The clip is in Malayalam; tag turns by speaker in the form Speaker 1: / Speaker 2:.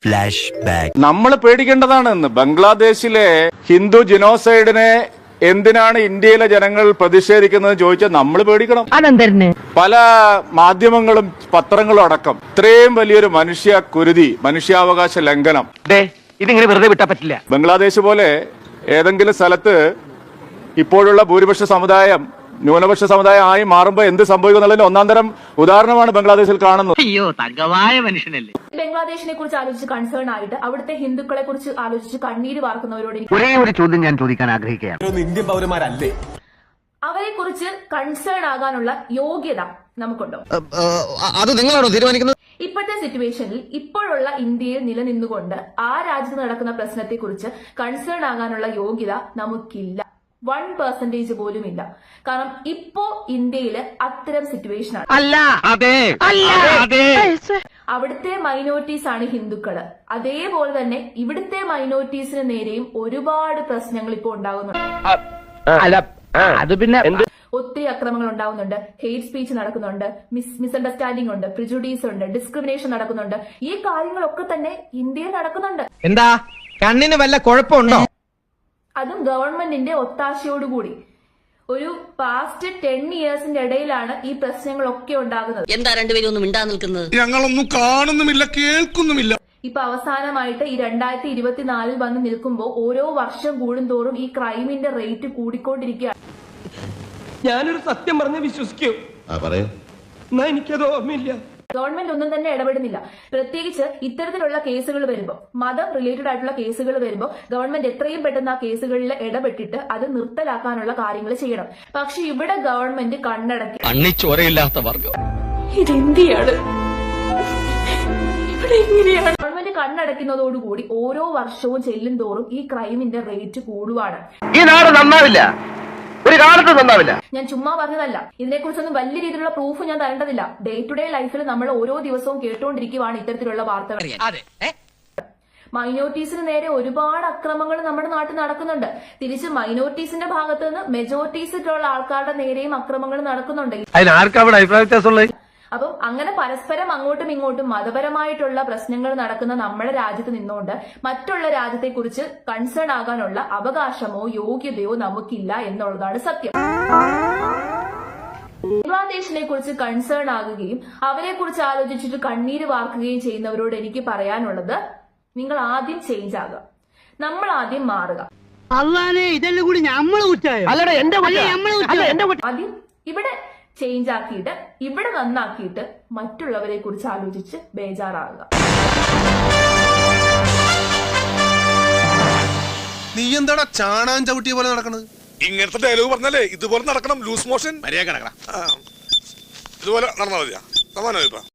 Speaker 1: Flash back.
Speaker 2: നമ്മൾ പേടിക്കേണ്ടതാണെന്ന്. ബംഗ്ലാദേശിലെ ഹിന്ദു ജിനോസൈഡിനെ എന്തിനാണ് ഇന്ത്യയിലെ ജനങ്ങൾ പ്രതിഷേധിക്കുന്നത് ചോദിച്ചാൽ നമ്മൾ പേടിക്കണം. പല മാധ്യമങ്ങളും പത്രങ്ങളും അടക്കം ഇത്രയും വലിയൊരു കുരുതി, മനുഷ്യാവകാശ ലംഘനം
Speaker 3: ഇതിങ്ങനെ വെറുതെ വിട്ടാ പറ്റില്ല.
Speaker 2: ബംഗ്ലാദേശ് പോലെ ഏതെങ്കിലും സ്ഥലത്ത് ഇപ്പോഴുള്ള ഭൂരിപക്ഷ സമുദായം ന്യൂനപക്ഷ സമുദായം ആയി മാറുമ്പോൾ എന്ത് സംഭവിക്കും എന്നുള്ളതിന് ഒന്നാം തരം ഉദാഹരണമാണ് ബംഗ്ലാദേശിൽ കാണുന്നത്.
Speaker 3: അയ്യോ തങ്കമായ മനുഷ്യനല്ലേ.
Speaker 4: ബംഗ്ലാദേശിനെ കുറിച്ച് ആലോചിച്ച് കൺസേൺ ആയിട്ട് അവിടുത്തെ ഹിന്ദുക്കളെ കുറിച്ച് ആലോചിച്ച് കണ്ണീര് വാർക്കുന്നവരോട്
Speaker 3: ഒരേ ഒരു ചോദ്യം ഞാൻ ചോദിക്കാൻ ആഗ്രഹിക്കുകയാണ്.
Speaker 5: ഇന്ത്യൻ പൗരന്മാരല്ലേ?
Speaker 4: അവരെ കുറിച്ച് കൺസേൺ ആകാനുള്ള യോഗ്യത നമുക്കുണ്ടോ?
Speaker 5: അത് നിങ്ങളാണോ തീരുമാനിക്കുന്നത്?
Speaker 4: ഇപ്പോഴത്തെ സിറ്റുവേഷനിൽ ഇപ്പോഴുള്ള ഇന്ത്യയിൽ നിലനിന്നുകൊണ്ട് ആ രാജ്യത്ത് നടക്കുന്ന പ്രശ്നത്തെ കുറിച്ച് കൺസേൺ ആകാനുള്ള യോഗ്യത നമുക്കില്ല. 1% പോലും ഇല്ല. കാരണം ഇപ്പോ ഇന്ത്യയില് അത്തരം സിറ്റുവേഷൻ ആണ്. അവിടുത്തെ മൈനോറിറ്റീസ് ആണ് ഹിന്ദുക്കള്. അതേപോലെ തന്നെ ഇവിടുത്തെ മൈനോറിറ്റീസിന് നേരെയും ഒരുപാട് പ്രശ്നങ്ങൾ ഇപ്പോൾ ഉണ്ടാകുന്നുണ്ട്. ഒത്തിരി അക്രമങ്ങൾ ഉണ്ടാകുന്നുണ്ട്, ഹെയ്റ്റ് സ്പീച്ച് നടക്കുന്നുണ്ട്, മിസ്അണ്ടർസ്റ്റാൻഡിംഗ് ഉണ്ട്, പ്രിജുഡീസ് ഉണ്ട്, ഡിസ്ക്രിമിനേഷൻ നടക്കുന്നുണ്ട്. ഈ കാര്യങ്ങളൊക്കെ തന്നെ ഇന്ത്യയിൽ നടക്കുന്നുണ്ട്.
Speaker 5: എന്താ കണ്ണിന് വല്ല കുഴപ്പമുണ്ടോ?
Speaker 4: അതും ഗവൺമെന്റിന്റെ ഒത്താശയോടുകൂടി. ഒരു പാസ്റ്റ് 10 ഇയേഴ്സിന്റെ ഇടയിലാണ് ഈ പ്രശ്നങ്ങളൊക്കെ ഉണ്ടാകുന്നത്.
Speaker 6: എന്താ രണ്ടുപേരും ഒന്നും മിണ്ടാ നിൽക്കുന്നത്?
Speaker 7: ഞങ്ങളൊന്നും കാണുന്നുമില്ല, കേൾക്കുന്നുമില്ല.
Speaker 4: ഇപ്പൊ അവസാനമായിട്ട് ഈ 2024 വന്ന് നിൽക്കുമ്പോൾ ഓരോ വർഷം കൂടുന്തോറും ഈ ക്രൈമിന്റെ റേറ്റ് കൂടിക്കൊണ്ടിരിക്കുകയാണ്.
Speaker 8: ഞാനൊരു സത്യം പറഞ്ഞ് വിശ്വസിക്കൂ. എന്നാ എനിക്കത് ഓർമ്മയില്ല.
Speaker 4: ഗവൺമെന്റ് ഒന്നും തന്നെ ഇടപെടുന്നില്ല. പ്രത്യേകിച്ച് ഇത്തരത്തിലുള്ള കേസുകൾ വരുമ്പോൾ, മതം റിലേറ്റഡ് ആയിട്ടുള്ള കേസുകൾ വരുമ്പോൾ ഗവൺമെന്റ് എത്രയും പെട്ടെന്ന് ആ കേസുകളിൽ ഇടപെട്ടിട്ട് അത് നിർത്തലാക്കാനുള്ള കാര്യങ്ങൾ ചെയ്യണം. പക്ഷെ ഇവിടെ ഗവൺമെന്റ് കണ്ണടക്കി.
Speaker 5: ചോരയില്ലാത്ത വർഗം
Speaker 4: ഇതെന്തിയാണ്? ഇവിടെ എങ്ങനെയാണ്? ഗവൺമെന്റ് കണ്ണടക്കുന്നതോടുകൂടി ഓരോ വർഷവും ചെല്ലും തോറും ഈ ക്രൈമിന്റെ റേറ്റ് കൂടുവാണ്.
Speaker 3: ഈ നാട് നന്നാവില്ല, ഒരു കാലത്ത് നന്നാവില്ല.
Speaker 4: ഞാൻ ചുമ്മാ പറഞ്ഞതല്ല. ഇതിനെക്കുറിച്ചൊന്നും വലിയ രീതിയിലുള്ള പ്രൂഫ് ഞാൻ തരേണ്ടതില്ല. ഡേ ടു ഡേ ലൈഫിൽ നമ്മൾ ഓരോ ദിവസവും കേട്ടുകൊണ്ടിരിക്കുകയാണ് ഇത്തരത്തിലുള്ള വാർത്തകൾ. മൈനോറിറ്റീസിന് നേരെ ഒരുപാട് അക്രമങ്ങൾ നമ്മുടെ നാട്ടിൽ നടക്കുന്നുണ്ട്. തിരിച്ച് മൈനോറിറ്റീസിന്റെ ഭാഗത്ത് നിന്ന് മെജോറിറ്റീസിലുള്ള ആൾക്കാരുടെ നേരെയും അക്രമങ്ങൾ നടക്കുന്നുണ്ട്. അപ്പം അങ്ങനെ പരസ്പരം അങ്ങോട്ടും ഇങ്ങോട്ടും മതപരമായിട്ടുള്ള പ്രശ്നങ്ങൾ നടക്കുന്ന നമ്മുടെ രാജ്യത്ത് നിന്നുകൊണ്ട് മറ്റുള്ള രാജ്യത്തെക്കുറിച്ച് കൺസേൺ ആകാനുള്ള അവകാശമോ യോഗ്യതയോ നമുക്കില്ല എന്നുള്ളതാണ് സത്യം. ബംഗ്ലാദേശിനെ കുറിച്ച് കൺസേൺ ആകുകയും അവരെ കുറിച്ച് ആലോചിച്ചിട്ട് കണ്ണീര് വാർക്കുകയും ചെയ്യുന്നവരോട് എനിക്ക് പറയാനുള്ളത്, നിങ്ങൾ ആദ്യം ചേഞ്ച് ആകുക, നമ്മൾ ആദ്യം മാറുക.
Speaker 3: ഇതെല്ലാം കൂടി
Speaker 4: ആദ്യം ഇവിടെ ചേഞ്ച് ആക്കിയിട്ട് ഇവിടെ നന്നാക്കിയിട്ട് മറ്റുള്ളവരെ കുറിച്ച് ആലോചിച്ച് ബേജാറാകുക.
Speaker 7: നീ എന്താടാ ചാണാൻ ചവിട്ടിയ പോലെ നടക്കണത്?
Speaker 9: ഇങ്ങനത്തെ ഡയലോഗ് പറഞ്ഞാലേ ഇതുപോലെ നടക്കണം. ലൂസ് മോഷൻ ഇതുപോലെ നടന്നാൽ മതിയാ. സമാനമായി.